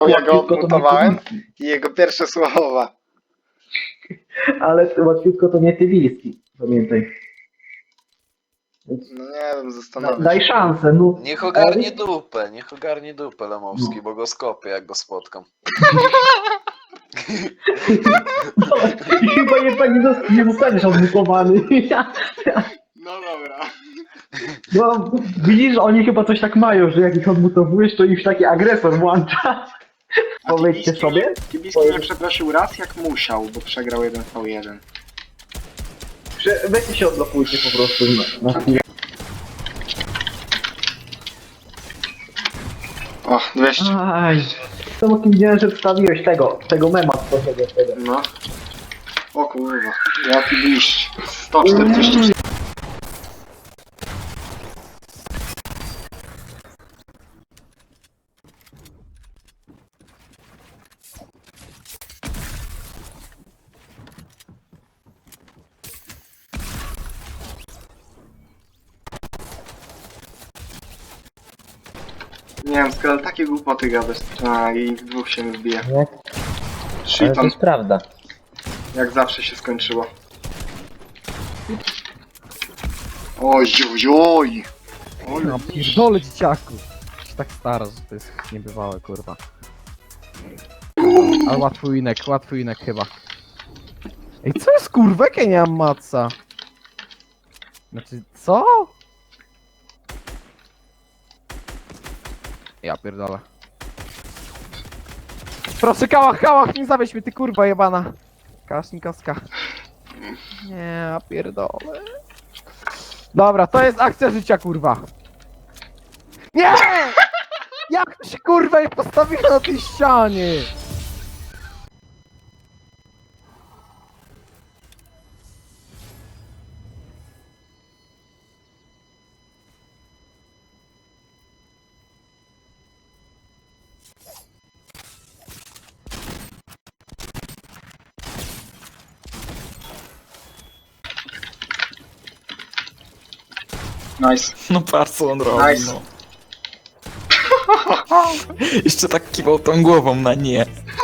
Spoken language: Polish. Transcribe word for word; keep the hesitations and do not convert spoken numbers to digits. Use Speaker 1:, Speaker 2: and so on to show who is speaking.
Speaker 1: Ja go
Speaker 2: Łatwiutko to nie
Speaker 1: odnotowałem
Speaker 2: tywiski.
Speaker 1: i jego pierwsze słowa.
Speaker 2: Ale łatwiutko to nie tywiski, pamiętaj. Więc
Speaker 1: No nie wiem,
Speaker 2: da,
Speaker 1: zastanawiam
Speaker 2: daj
Speaker 1: się.
Speaker 2: szansę, no.
Speaker 3: Niech ogarnie dupę, niech ogarnie dupę Lemowski,
Speaker 2: No.
Speaker 3: bo go skopię jak go spotkam.
Speaker 2: No, i chyba jednak nie, zost- nie zostaniesz odmutowany.
Speaker 1: No dobra.
Speaker 2: No, widzisz, oni chyba coś tak mają, że jak ich odmutowujesz, to ich taki agresor włącza. Powiedzcie sobie.
Speaker 1: Kibiski nie przeprosił raz jak musiał, bo przegrał jeden v jeden.
Speaker 2: Że weźcie się odblokujcie po prostu na, na chwilę.
Speaker 1: O, dwieście.
Speaker 2: Aj. To bo widziałem, że wstawiłeś tego, tego mema z tego, tego.
Speaker 1: No. O kurwa, jaki liść. sto czterdzieści. Nie wiem, skoro takie głupoty gadasz. A, i w dwóch się nie wbije.
Speaker 4: Nie? Ale to
Speaker 1: Shiton,
Speaker 4: jest prawda.
Speaker 1: jak zawsze się skończyło. Oj, oj, oj. Oj,
Speaker 5: No pierdolę dzieciaku. Się tak stara, że to jest niebywałe, kurwa. Ale łatwy winek, łatwy winek chyba. Ej, co jest kurwa? Jak ja nie mam matca? Znaczy, co? Ja pierdolę. Proszę, kałach, kałach, nie zawieź mnie, ty kurwa jebana. Kałasznikowska. Nie, ja pierdolę. Dobra, to jest akcja życia, kurwa. Nie! Jak to się kurwa nie postawiło na tej ścianie?
Speaker 1: nice.
Speaker 6: No patrz co on robi,
Speaker 1: Nice.
Speaker 6: no. Jeszcze tak kiwał tą głową na nie.